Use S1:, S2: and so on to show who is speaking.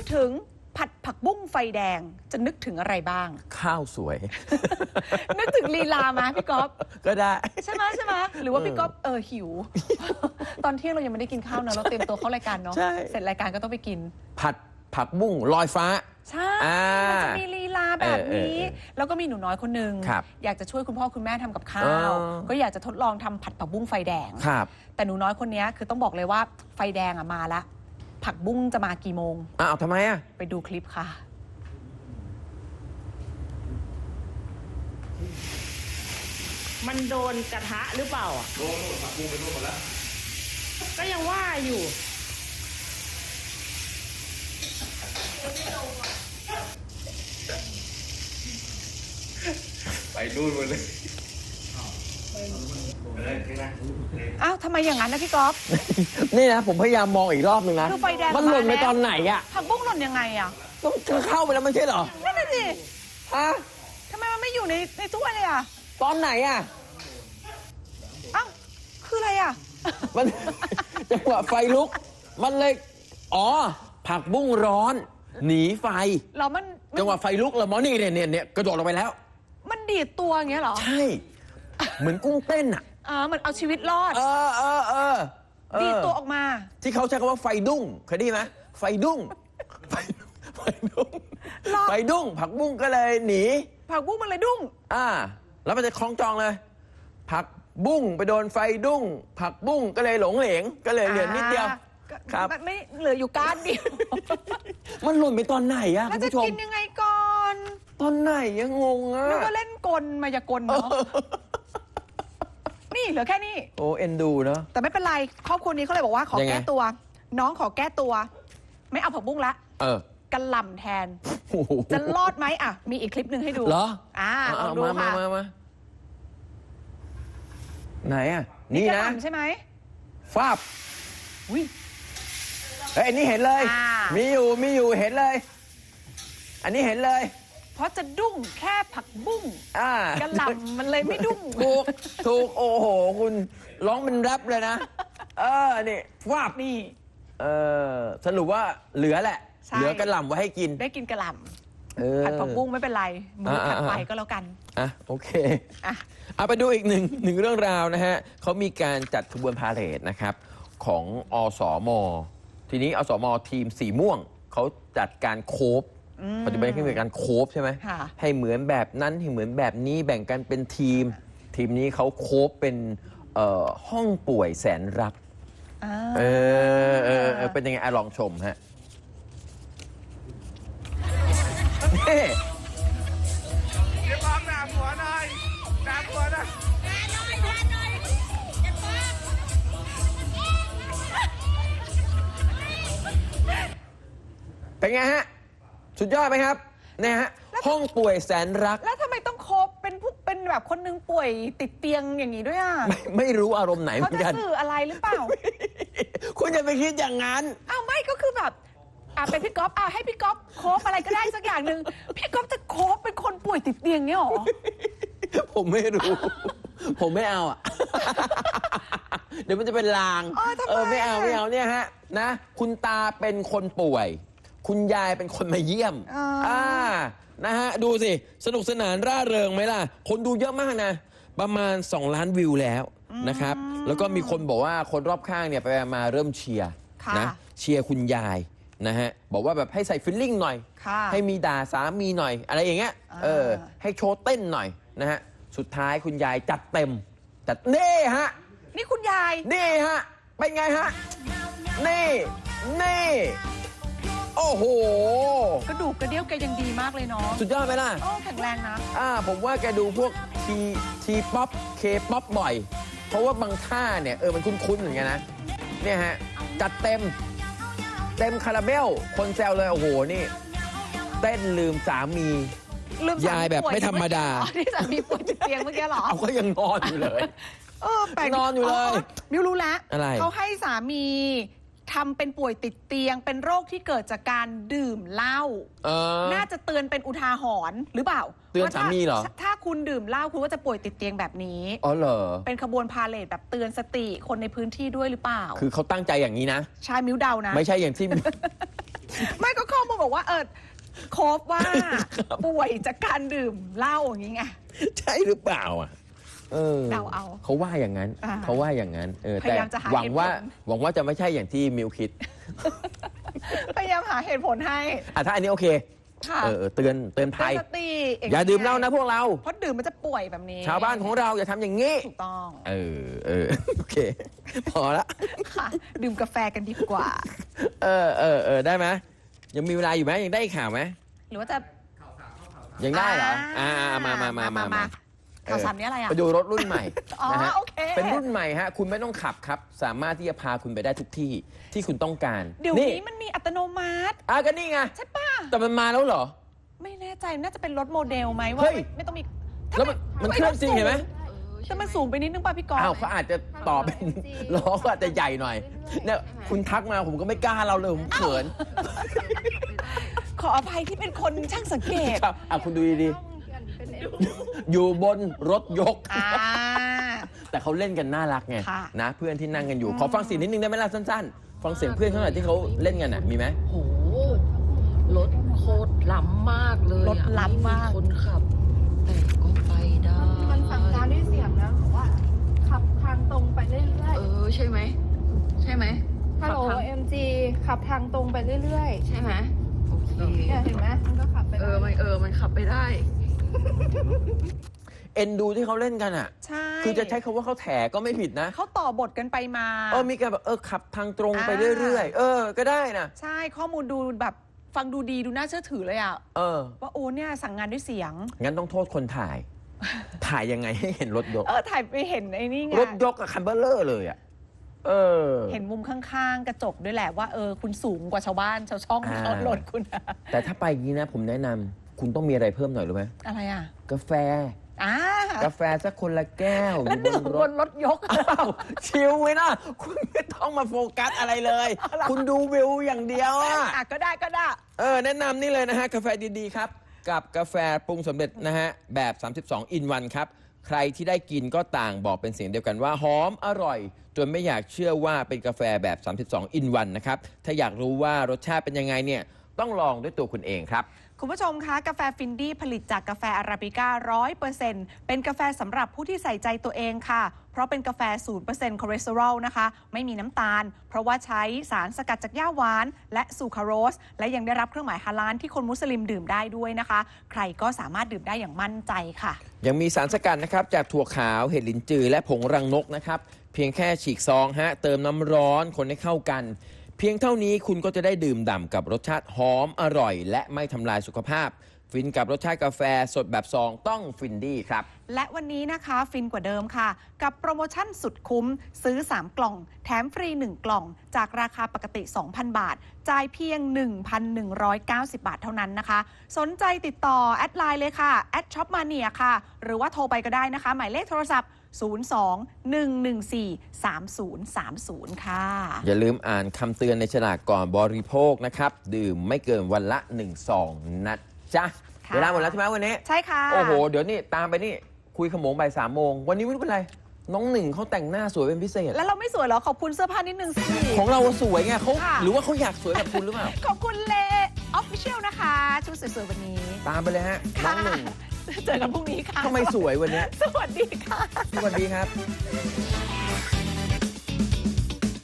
S1: ถึงผัดผักบุ้งไฟแดงจะนึกถึงอะไรบ้าง
S2: ข้าวสวย
S1: นึกถึงลีลามาพี่ก๊อฟ
S2: ก็ได้
S1: ใช่ไหมหรือว่าพี่ก๊อฟหิว ตอนเที่ยงเรายังไม่ได้กินข้าวนะเราเตรียมตัวเข้ารายการเนาะเสร็จรายการก็ต้องไปกิน
S2: ผัดผักบุ้งลอยฟ้า
S1: ใช่มันจะมีลีลาแบบนี้แล้วก็มีหนูน้อยคนหนึ่งอยากจะช่วยคุณพ่อคุณแม่ทำกับข้าวก็อยากจะทดลองทำผัดผักบุ้งไฟแดงแต่หนูน้อยคนนี้คือต้องบอกเลยว่าไฟแดงมาแล้วผักบุ้งจะมากี่โมง
S2: อ้าวทำไม
S1: ไปดูคลิปค่ะ
S3: มันโดนกระทะหรือเปล่าโดนผักบุ้งไปโดนหมดแล้วก็ยังว่าอยู่
S2: ไปดูนหมดเลย
S1: อ้าวทำไมอย่างนั้นนะพี่ก๊อฟ
S2: นี่นะผมพยายามมองอีกรอบนึงนะ
S1: คือไฟแดง
S2: มันหล่นไปตอนไหน
S1: ผักบุ้งหล่นยังไง
S2: ต้องเข้าไปแล้วไม่ใช่เหรอ
S1: นั่นน่ะสิทำไมมันไม่อยู่ในถ้วยเลย
S2: ตอนไหน
S1: อ้าวคืออะไร
S2: มันจังหวะไฟลุกมันเลยผักบุ้งร้อนหนีไฟ
S1: เรามัน
S2: จังหวะไฟลุกแล้วมอนี่เนี่ยกระโดดลงไปแล้ว
S1: มันดีดตัวอย่างเงี้ยเหรอ
S2: ใช่เหมือนกุ้งเต้น
S1: เหมือนเอาชีวิตรอดดีดตัวออกมา
S2: ที่เขาใช้คำว่าไฟดุ้งเคยได้ไหมไฟดุ้งไฟดุ้งผักบุ้งก็เลยหนี
S1: ผักบุ้งมันเลยดุ้ง
S2: แล้วมันจะคล้องจองเลยผักบุ้งไปโดนไฟดุ้งผักบุ้งก็เลยหลงเหลงก็เลยเหลือนิดเดียว
S1: ครับไม่เหลืออยู่ก้านเดียว
S2: มันหล่นไปตอนไหน
S1: คุณผู้ชมจะกินยังไงก่อน
S2: ตอนไหนยังงง
S1: นึกว่าเล่นกลมายากลเนาะนี่เหลือแค่นี้
S2: โอ้เอ็นดูเนาะ
S1: แต่ไม่เป็นไรครอบครัวนี้เขาเลยบอกว่าขอแก้ตัวน้องขอแก้ตัวไม่เอาผักบุ้งละกระหล่ำแทนจะรอดไหมมีอีกคลิปหนึ่งให้ดู
S2: เหรอ
S1: ลองดูค่ะ
S2: ไหนนี่นะ
S1: ใช่ไหม
S2: ฟาบอันนี้เห็นเลยมีอยู่เห็นเลยอันนี้เห็นเลย
S1: เพราะจะดุ้งแค่ผักบุ้งกระหล่ำมันเลยไม่ดุ้ง
S2: ถูกโอ้โหคุณร้องเป็นแรปเลยนะนี่ฟาบ
S1: นี่
S2: สรุปว่าเหลือแหละเหลือกระหล่ำไว้ให้กิน
S1: ได้กินกระหล่ำผัดผักบุ้งไม่เป็นไรมื้อถัดไปก็แล้วกัน
S2: โอเคเอาไปดูอีกหนึ่งเรื่องราวนะฮะเขามีการจัดขบวนพาเหรดนะครับของอสม.ทีนี้อสม.ทีมสีม่วงเขาจัดการโคฟปัจจุบันเขามีการโคฟใช่ไหมให้เหมือนแบบนั้นให้เหมือนแบบนี้แบ่งกันเป็นทีมนี้เขาโคฟเป็นห้องป่วยแสนรักเป็นยังไงลองชมฮะเฮ้
S4: เดี๋ยวมองหน้าหัวหน่อยหน้าหัวนะ
S2: เป็นไงฮะสุดยอดไหมครับเนี่ยฮะห้องป่วยแสนรัก
S1: แล้วทำไมต้องโคบเป็นแบบคนนึงป่วยติดเตียงอย่างนี้ด้วย
S2: ไม่รู้อารมณ์ไหนเหมือนกัน
S1: เขาจะสื่ออะไรหรือเปล่า
S2: คุณจะไปคิดอย่างนั้น
S1: ไม่ก็คือแบบเป็นพี่ก๊อฟให้พี่ก๊อฟโคบอะไรก็ได้สักอย่างหนึ่งพี่ก๊อฟจะโคบเป็นคนป่วยติดเตียงเนี่ยหรอ
S2: ผมไม่รู้ผมไม่เอาเดี๋ยวมันจะเป็นลางไม่เอาเนี่ยฮะนะคุณตาเป็นคนป่วยคุณยายเป็นคนมาเยี่ยมนะฮะดูสิสนุกสนานร่าเริงไหมล่ะคนดูเยอะมากนะประมาณ2 ล้านวิวแล้วนะครับแล้วก็มีคนบอกว่าคนรอบข้างเนี่ยไปมาเริ่มเชียร์นะเชียร์คุณยายนะฮะบอกว่าแบบให้ใส่ฟิลลิ่งหน่อยให้มีด่าสามีหน่อยอะไรอย่างเงี้ยให้โชว์เต้นหน่อยนะฮะสุดท้ายคุณยายจัดเต็มจัดนี่ฮะ
S1: นี่คุณยาย
S2: นี่ฮะเป็นไงฮะนี่โอ้โห
S1: กระดูกกระเดี่ยวแกยังดีมากเลยเนาะ
S2: สุดยอดไหมล่ะ
S1: แข็งแรงนะ
S2: ผมว่าแกดูพวกทีป๊อปเคป๊อปบ่อยเพราะว่าบางท่าเนี่ยมันคุ้นๆเหมือนกันนะเนี่ยฮะจัดเต็มคาราเบลคนแซวเลยโอ้โหนี่เต้นลืมสามียายแบบไม่ธรรมดา
S1: ที่สามีป่วยติดเตียงเมื่อกี้หรอ
S2: เขาก็ยังนอนอยู่เลยนอนอยู่เลย
S1: มิวรู้แล้ว
S2: อะไร
S1: เขาให้สามีทำเป็นป่วยติดเตียงเป็นโรคที่เกิดจากการดื่มเหล้าน่าจะเตือนเป็นอุทาหรณ์หรือเปล่า
S2: เตือนสามีเหรอ
S1: ถ้าคุณดื่มเหล้าคุณก็จะป่วยติดเตียงแบบนี้
S2: เหรอ
S1: เป็นขบวนพาเหรดแบบเตือนสติคนในพื้นที่ด้วยหรือเปล่า
S2: คือเขาตั้งใจอย่างนี้นะ
S1: ใช่มิวเดานะ
S2: ไม่ใช่อย่างที่
S1: ไม่ก็ข้อมูลบอกว่าโคฟว่าป่วยจากการดื่มเหล้าอย่างงี้ไง
S2: ใช่หรือเปล่าอ่ะ
S1: เดาเอา
S2: เขาว่าอย่างนั้นเขาว่าอย่างนั้น
S1: พยายามจะหา
S2: หวัง
S1: เหตุผล
S2: ว่าจะไม่ใช่อย่างที่มิวคิด
S1: พยายามหาเหตุผลให้
S2: ถ้าอันนี้โอเค
S1: ค่ะ
S2: เตือน
S1: เตือน
S2: ภัย
S1: สติ
S2: อย่าดื่มเหล้านะพวกเรา
S1: เพราะดื่มมันจะป่วยแบบนี้
S2: ชาวบ้านของเราอย่าทำอย่างนี้
S1: ถูกต้อง
S2: โอเค พอละ
S1: ค่ะ ดื่มกาแฟกันดีกว่า
S2: ได้ไหมยังมีเวลาอยู่ไหมยังได้ข่าวไหม
S1: หรือว่าจะ
S2: ยังได้เหรอมา
S1: ข่าวสารนี้อะไรอ่ะ
S2: ไปดูรถรุ่นใหม่
S1: อ๋อ
S2: นะฮะ
S1: โอเค
S2: เป็นรุ่นใหม่ฮะคุณไม่ต้องขับครับ สามารถที่จะพาคุณไปได้ทุกที่ที่คุณต้องการ
S1: เดี๋ยวนี้มันมีอัตโนมัติ
S2: ก็นี่ไง
S1: ใช่ป่ะ
S2: แต่มันมาแล้วเหรอ
S1: ไม่แน่ใจน่าจะเป็นรถโมเดลไหมว่า
S2: เฮ้ย
S1: ไม่ต้องมี
S2: แล้วมันเคลื่อนจริงเห็นไหม
S1: แต่มันสูงไปนิดนึงป่ะพี่กรณ์
S2: เขาอาจจะต่อเป็นล้อก็อาจจะใหญ่หน่อยเนี่ยคุณทักมาผมก็ไม่กล้าเราเลยผมเขิน
S1: ขออภัยที่เป็นคนช่างสังเกต
S2: ครับคุณดูดีๆอยู่บนรถยก แต่เขาเล่นกันน่ารักไง
S1: ค่ะ
S2: นะเพื่อนที่นั่งกันอยู่ ขอฟังเสียงนิดนึงได้ไหมล่ะสั้นๆ ฟังเสียงเพื่อนเขาหน่อยที่เขาเล่นกันมีไหม
S5: โหรถโคตรล้ำมากเลยอะ
S1: รถล้ำมาก
S5: ไคนขับ แต่ก็ไปได้
S6: มันสั่งการด้วยเสียงนะบอกว่าขับทางตรงไปเรื่อย
S5: ใช่ไหมใช่ไหม
S6: ๆฮัลโหล
S5: ขับทาง
S6: MG ขับทางตรงไปเรื่อย
S5: ใช่ไหมโอเค
S6: ๆเนี่ยเห็นไหมมันก็ขับไปได้
S5: มันขับไปได้
S2: เอ็นดูที่เขาเล่นกันอ่ะ
S1: ใช่
S2: คือจะใช้คำว่าเขาแถก็ไม่ผิดนะ
S1: เขาต่อบทกันไปมา
S2: มีการแบบขับทางตรงไปเรื่อยๆก็ได้นะ
S1: ใช่ข้อมูลดูแบบฟังดูดีดูน่าเชื่อถือเลยอ่ะ ว่าโอ้เนี่ยสั่งงานด้วยเสียง
S2: งั้นต้องโทษคนถ่าย ถ่ายยังไงให้เห็นรถยก
S1: ถ่ายไปเห็นไอ้นี่ไง
S2: รถยกกับคันเบลเลอร์เลยอ่ะ
S1: เห็นมุมข้างๆ กระจกด้วยแหละว่าคุณสูงกว่าชาวบ้านชาวช่องที่เขารถคุณอะ
S2: แต่ถ้าไปอย่างนี้นะผมแนะนำคุณต้องมีอะไรเพิ่มหน่อยรู้ไหม
S1: อะไรอ่ะ
S2: กาแฟ
S1: ก
S2: กาแฟสักคนละแก้ว
S1: แล้วดื่มบนรถยก
S2: ชิลไว้นะคุณไม่ต้องมาโฟกัสอะไรเลย คุณดูวิวอย่างเดียวอ่ะ
S1: ก็ได้
S2: แนะนำนี่เลยนะฮะกาแฟดีๆครับกับกาแฟปรุงสำเร็จนะฮะแบบ32 in 1ครับใครที่ได้กินก็ต่างบอกเป็นเสียงเดียวกันว่าหอมอร่อยจนไม่อยากเชื่อว่าเป็นกาแฟแบบ32 in 1นะครับถ้าอยากรู้ว่ารสชาติเป็นยังไงเนี่ยต้องลองด้วยตัวคุณเองครับ
S1: คุณผู้ชมคะกาแฟฟินดี้ผลิตจากกาแฟอาราบิก้า 100% เป็นกาแฟสำหรับผู้ที่ใส่ใจตัวเองค่ะเพราะเป็นกาแฟ 0% คอเลสเตอรอลนะคะไม่มีน้ำตาลเพราะว่าใช้สารสกัดจากหญ้าหวานและซูคราโรสและยังได้รับเครื่องหมายฮาลาลที่คนมุสลิมดื่มได้ด้วยนะคะใครก็สามารถดื่มได้อย่างมั่นใจค่ะ
S2: ยังมีสารสกัดนะครับจากถั่วขาวเห็ดลิ้นจือและผงรังนกนะครับเพียงแค่ฉีกซองเติมน้ำร้อนคนให้เข้ากันเพียงเท่านี้คุณก็จะได้ดื่มด่ำกับรสชาติหอมอร่อยและไม่ทำลายสุขภาพฟินกับรสชาติกาแฟสดแบบซองต้องฟินดี้ครับ
S1: และวันนี้นะคะฟินกว่าเดิมค่ะกับโปรโมชั่นสุดคุ้มซื้อ3กล่องแถมฟรี1กล่องจากราคาปกติ 2,000 บาทจ่ายเพียง 1,190 บาทเท่านั้นนะคะสนใจติดต่อแอดไลน์เลยค่ะ@shopmania ค่ะหรือว่าโทรไปก็ได้นะคะหมายเลขโทรศัพท์02-114-3030 ค่ะ
S2: อย่าลืมอ่านคำเตือนในฉลากก่อนบริโภคนะครับดื่มไม่เกินวันละ1 ซองนะจ๊ะเวลาหมดแล้วใช่ไหมวันนี้
S1: ใช่ค่ะ
S2: โอ้โหเดี๋ยวนี่ตามไปนี่คุยขโมงบ่าย3 โมงวันนี้ไม่รู้เป็นไรน้องหนึ่งเขาแต่งหน้าสวยเป็นพิเศษ
S1: แล้วเราไม่สวยเหรอขอบคุณเสื้อผ้านิดนึงสิ
S2: ของเราสวยไงเขาหรือว่าเขาอยากสวยแบบคุณหรือเปล่า
S1: ขอบคุณเลออฟฟิเชียลนะคะชุดสวยๆวันนี้
S2: ตามไปเลยฮะน้องหนึ่ง
S1: เจอกันพรุ่งนี้ค่ะ
S2: ทำไมสวยวันนี้
S1: สวัสดีค่ะ
S2: สวัสดีครับ